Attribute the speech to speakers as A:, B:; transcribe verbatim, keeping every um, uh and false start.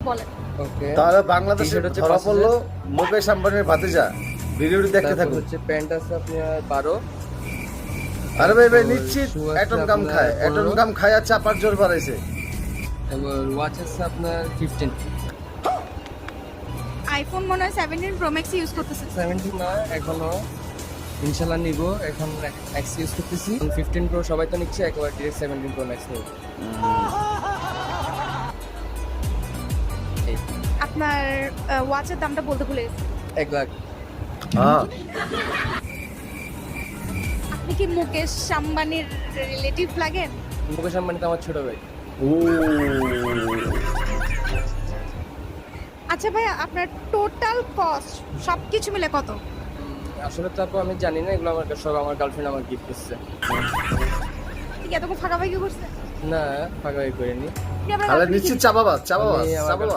A: বলেন।
B: ওকে
C: তাহলে বাংলাদেশে
B: T-shirt হচ্ছে
C: ধরা
B: পাঁচ
C: পড়লো
B: হাজার।
C: মুকেশ আম্বানির ভাতিজা। ভিডিওটি দেখতে
B: তারপর
C: থাকুন।
B: হচ্ছে প্যান্ট আছে আপনার বারো।
C: আরে ভাই ভাই
B: তারপর
C: নিশ্চিত
B: shoe আছে
C: অ্যাটম গাম
B: আপনার
C: খায় অ্যাটম
B: পনেরো।
C: গাম খায় আর চাপার জোর বাড়াইছে।
B: তারপর ওয়াচ আছে আপনার ফিফটিন।
A: আইফোন মনে হয় সেভেন্টিন প্রো ম্যাক্স ইউজ করতেছে।
B: সেভেন্টিন না এখনো, ইনশাল্লাহ নিব। এখন এক্স ইউজ করতেছি। ফিফটিন প্রো সবাই তো নিচ্ছে, একবার ডিরেক্ট সেভেন্টিন প্রো ম্যাক্স নিব। এই
A: আপনার ওয়াচের দামটা বলতে ভুলে গেছি।
B: এক লাখ।
C: হ্যাঁ
A: আপনি কি মুকেশ আম্বানির রিলেটিভ লাগেন?
B: মুকেশ আম্বানি তো আমার ছোট ভাই।
C: ও
A: আচ্ছা ভাইয়া, আপনার টোটাল কস্ট সবকিছু মিলে কত?
B: আসলে তারপর আমি জানি না, এগুলো আমার সব আমার গার্লফ্রেন্ড আমার গিফট করছে।
A: ঠিক এতক্ষণ ফাঁকাফাঁকি করছে?
B: না ফাঁকা করিনি।
A: কি আপনার
C: তাহলে
A: girlfriend কি
C: নিশ্চিত চাপাবাজ চাপাবাজ
B: আমি আমার
C: চাপাবাজ